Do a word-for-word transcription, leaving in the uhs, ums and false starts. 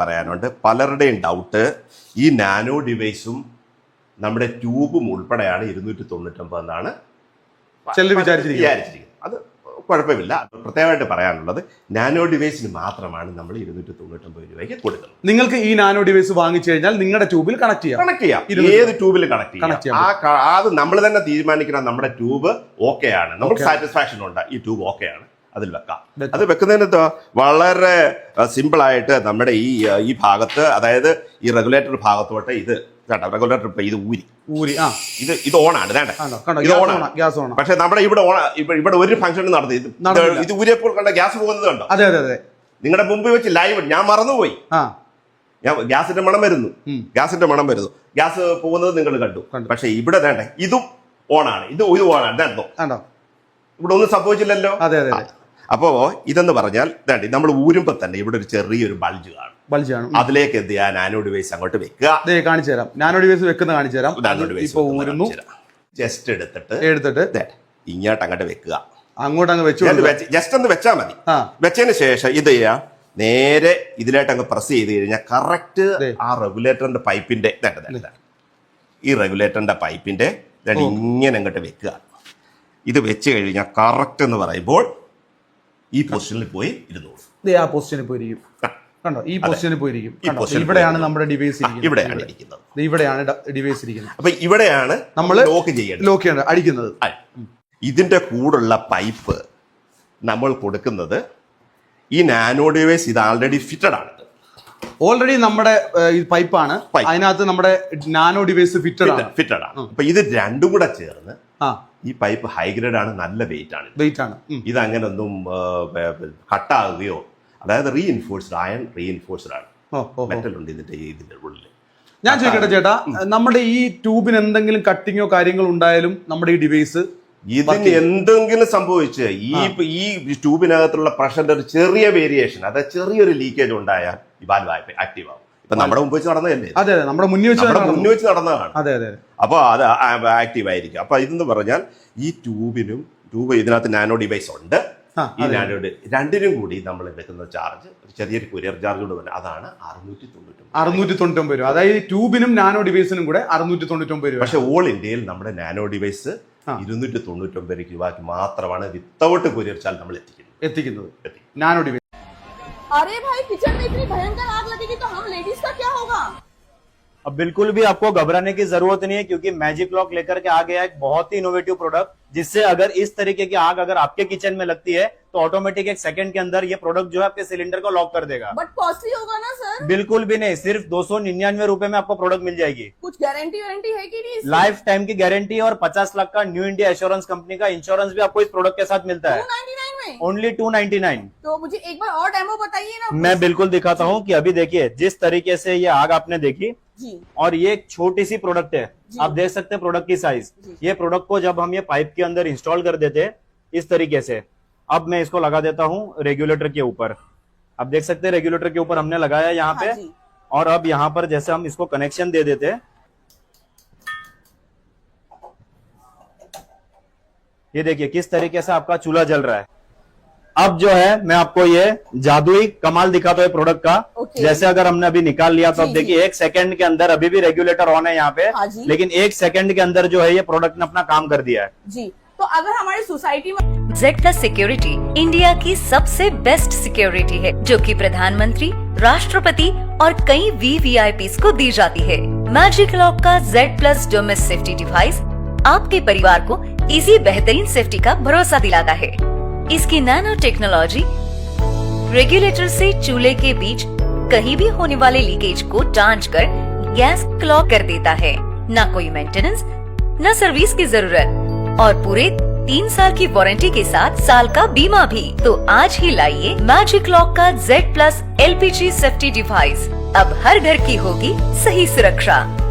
പറയാനുണ്ട്. പലരുടെയും ഡൗട്ട് ഈ നാനോ ഡിവൈസും നമ്മുടെ ട്യൂബും ഉൾപ്പെടെയാണ് ഇരുന്നൂറ്റി തൊണ്ണൂറ്റൊമ്പത് എന്നാണ് വിചാരിച്ചിരിക്കുന്നത്. അത് കുഴപ്പമില്ല. പ്രത്യേകമായിട്ട് പറയാനുള്ളത് നാനോ ഡിവൈസിന് മാത്രമാണ് നമ്മൾ ഇരുന്നൂറ്റി തൊണ്ണൂറ്റൊമ്പത് രൂപയ്ക്ക് കൊടുക്കുന്നത്. നിങ്ങൾക്ക് ഈ നാനോ ഡിവൈസ് വാങ്ങിച്ചു കഴിഞ്ഞാൽ നിങ്ങളുടെ ട്യൂബിൽ കണക്ട് ചെയ്യാം കണക്ട് ചെയ്യാം ഏത് ട്യൂബിൽ കണക്ട് ചെയ്യാം. ആ അത് നമ്മൾ തന്നെ തീരുമാനിക്കണം. നമ്മുടെ ട്യൂബ് ഓക്കെ ആണ്, നമുക്ക് സാറ്റിസ്ഫാക്ഷൻ ഉണ്ട്, ഈ ട്യൂബ് ഓക്കെ ആണ്, അതിൽ വെക്കാം. അത് വെക്കുന്നതിന് വളരെ സിമ്പിൾ ആയിട്ട് നമ്മുടെ ഈ ഈ ഭാഗത്ത്, അതായത് ഈ റെഗുലേറ്റർ ഭാഗത്തോട്ട് ഇത് റെഗുലേറ്റർ ഇപ്പൊ ഇത് ഊരി ഊരി ആ ഇത് ഇത് ഓണാണ് ഇത് ഓണാണ്. പക്ഷെ നമ്മുടെ ഇവിടെ ഓണ ഇവിടെ ഒരു ഫംഗ്ഷൻ നടത്തി ഇത് ഊരിയപ്പോൾ കണ്ട ഗ്യാസ് പോകുന്നത് കണ്ടോ? അതെ അതെ അതെ നിങ്ങളുടെ മുമ്പ് വെച്ച് ലൈവ് ഞാൻ മറന്നുപോയി. ഞാൻ ഗ്യാസിന്റെ മണം വരുന്നു ഗ്യാസിന്റെ മണം വരുന്നു ഗ്യാസ് പോകുന്നത് നിങ്ങൾ കണ്ടു. പക്ഷെ ഇവിടെ വേണ്ടേ ഇതും ഓണാണ്, ഇത് ഇത് ഓണാണ്. ഇതാണോ ഇവിടെ ഒന്നും സംഭവിച്ചില്ലല്ലോ. അതെ അതെ. അപ്പോ ഇതെന്ന് പറഞ്ഞാൽ വേണ്ടി നമ്മൾ ഊരുമ്പോ തന്നെ ഇവിടെ ഒരു ചെറിയൊരു ബൾജ് കാണും. ബൾജ് ആണ്. അതിലേക്ക് എന്ത് ചെയ്യാൻ നാനോ ഡിവൈസ് അങ്ങോട്ട് വെക്കുക. കാണിച്ചു തരാം. നാനോ ഡിവൈസ് വെക്കുന്ന കാണിച്ചു തരാം. നാനോ ഡിവൈസ് ജസ്റ്റ് എടുത്തിട്ട് എടുത്തിട്ട് ഇങ്ങോട്ട് അങ്ങോട്ട് വെക്കുക. അങ്ങോട്ട് അങ്ങ് വെച്ചു ജസ്റ്റ് ഒന്ന് വെച്ചാൽ മതി. വെച്ചതിന് ശേഷം ഇത് ചെയ്യാം, നേരെ ഇതിലായിട്ട് അങ്ങ് പ്രസ് ചെയ്ത് കഴിഞ്ഞാൽ കറക്റ്റ് ആ റെഗുലേറ്ററിന്റെ പൈപ്പിന്റെ ഈ റെഗുലേറ്ററിന്റെ പൈപ്പിന്റെ ഇങ്ങനെ അങ്ങോട്ട് വെക്കുക. ഇത് വെച്ച് കഴിഞ്ഞാൽ കറക്റ്റ് എന്ന് പറയുമ്പോൾ ഈ പൊസിഷനിൽ പോയി ഇരുന്നോളൂ. ആ പൊസിഷനിൽ പോയിരിക്കും കണ്ടോ? ഈ പൊസിഷനിൽ പോയിരിക്കും. ഇവിടെയാണ് നമ്മുടെ ഡിവൈസ് ഇവിടെയാണ് ഇരിക്കുന്നത്. ഇവിടെയാണ് ഡിവൈസ് ഇരിക്കുന്നത്. അപ്പൊ ഇവിടെയാണ് നമ്മൾ ലോക്ക് ചെയ്യേണ്ടത്, ലോക്ക് ചെയ്യേണ്ടത്, അടിക്കുന്നത്. ഇതിന്റെ കൂടുള്ള പൈപ്പ് നമ്മൾ കൊടുക്കുന്നത് ഈ നാനോ ഡിവൈസ് ഇത് ആൾറെഡി ഫിറ്റഡ് ആണ്. ഓൾറെഡി നമ്മുടെ പൈപ്പാണ്, അതിനകത്ത് നമ്മുടെ നാനോ ഡിവൈസ് ഫിറ്റഡ് ആണ് ഫിറ്റഡ് ആണ് അപ്പൊ ഇത് രണ്ടും കൂടെ ചേർന്ന് ഈ പൈപ്പ് ഹൈഗ്രേഡ് ആണ്, നല്ല വെയിറ്റ് ആണ് വെയിറ്റ് ആണ് ഇത് അങ്ങനെ ഒന്നും കട്ടാകുകയോ, അതായത് റീഇൻഫോഴ്സ്ഡ് അയൺ റീഇൻഫോഴ്സ്ഡ് ആണ്, മെറ്റൽ ഉണ്ട് ഇതിന്റെ ഇതിന്റെ ഉള്ളിൽ. ഞാൻ ചോദിക്കട്ടെ ചേട്ടാ, നമ്മുടെ ഈ ട്യൂബിന് എന്തെങ്കിലും കട്ടിങ്ങോ കാര്യങ്ങളോ ഉണ്ടായാലും നമ്മുടെ ഈ ഡിവൈസ് ഇതിന് എന്തെങ്കിലും സംഭവിച്ച് ഈ ഈ ട്യൂബിനകത്തുള്ള പ്രഷറിന്റെ ഒരു ചെറിയ വേരിയേഷൻ, അതായത് ചെറിയൊരു ലീക്കേജ് ഉണ്ടായാൽ ഈ വാൽവ് ആക്റ്റീവ് ആവും. ഇപ്പൊ നമ്മുടെ മുമ്പ് വെച്ച് നടന്നതല്ലേ? അതെ അതെ, നമ്മുടെ മുന്നിൽ വെച്ച് മുന്നിൽ വെച്ച് നടന്നതാണ്. അതെ അതെ. അപ്പൊ അത് ആക്റ്റീവ് ആയിരിക്കും. അപ്പൊ ഇതെന്ന് പറഞ്ഞാൽ ഈ ട്യൂബിനും ട്യൂബ് ഇതിനകത്ത് നാനോ ഡിവൈസ് ഉണ്ട്. ഈ നാനോ രണ്ടിനും കൂടി നമ്മൾ എടുക്കുന്ന ചാർജ് ചെറിയൊരു കൊറിയർ ചാർജ് കൊണ്ട് തന്നെ അതാണ് അറുന്നൂറ്റി തൊണ്ണൂറ്റി അറുന്നൂറ്റി തൊണ്ണൂറ്റി ഒമ്പത് രൂപ. അതായത് ട്യൂബിനും നാനോ ഡിവൈസിനും കൂടെ അറുന്നൂറ്റി തൊണ്ണൂറ്റി ഒമ്പത് രൂപ. പക്ഷെ ഓൾ ഇന്ത്യയിൽ നമ്മുടെ നാനോ ഡിവൈസ് ഇരുന്നൂറ്റി തൊണ്ണൂറ്റി ഒമ്പത് രൂപയ്ക്ക് മാത്രമാണ് വിത്തൗട്ട് കൊറിയർ ചാർജ് നമ്മൾ എത്തിക്കുന്നത് എത്തിക്കുന്നത് നാനോ ഡിവൈസ്. अरे भाई किचन में इतनी भयंकर आग लगेगी तो हम लेडीज का क्या होगा? अब बिल्कुल भी आपको घबराने की जरूरत नहीं है, क्योंकि मैजिक लॉक लेकर के आ गया एक बहुत ही इनोवेटिव प्रोडक्ट, जिससे अगर इस तरीके की आग अगर आपके किचन में लगती है तो ऑटोमेटिक एक सेकंड के अंदर ये प्रोडक्ट जो है आपके सिलेंडर को लॉक कर देगा. बट कॉस्टली होगा ना सर? बिल्कुल भी नहीं, सिर्फ दो सौ निन्यानवे रूपए में आपको प्रोडक्ट मिल जाएगी. कुछ गारंटी वारंटी है कि नहीं? लाइफ टाइम की गारंटी और पचास लाख का न्यू इंडिया एश्योरेंस कंपनी का इंश्योरेंस भी आपको इस प्रोडक्ट के साथ मिलता है. Only two ninety nine. तो मुझे एक बार और डेमो बताइए ना. मैं बिल्कुल दिखाता हूँ कि अभी देखिए जिस तरीके से ये आग आपने देखी जी, और ये एक छोटी सी प्रोडक्ट है, आप देख सकते हैं प्रोडक्ट की साइज. ये प्रोडक्ट को जब हम ये पाइप के अंदर इंस्टॉल कर देते इस तरीके से, अब मैं इसको लगा देता हूँ रेगुलेटर के ऊपर. आप देख सकते हैं रेगुलेटर के ऊपर हमने लगाया यहाँ पे, और अब यहाँ पर जैसे हम इसको कनेक्शन दे देते हैं, ये देखिए किस तरीके से आपका चूल्हा जल रहा है. अब जो है मैं आपको ये जादुई कमाल दिखाता हूँ प्रोडक्ट का. जैसे अगर हमने अभी निकाल लिया तो अब देखिए एक सेकंड के अंदर, अभी भी रेगुलेटर ऑन है यहाँ पे, लेकिन एक सेकंड के अंदर जो है ये प्रोडक्ट ने अपना काम कर दिया है जी. तो अगर हमारी सोसाइटी में जेड प्लस सिक्योरिटी इंडिया की सबसे बेस्ट सिक्योरिटी है, जो कि प्रधानमंत्री, राष्ट्रपति और कई वीवीआईपी को दी जाती है. मैजिक लॉक का Z plus domestic safety device आपके परिवार को इसी बेहतरीन सेफ्टी का भरोसा दिलाता है. इसकी नैनो टेक्नोलॉजी रेगुलेटर से चूल्हे के बीच कहीं भी होने वाले लीकेज को जांच कर गैस क्लॉक कर देता है. न कोई मेंटेनेंस, न सर्विस की जरूरत, और पूरे तीन साल की वारंटी के साथ साल का बीमा भी. तो आज ही लाइए मैजिक लॉक का Z plus LPG safety device. अब हर घर की होगी सही सुरक्षा.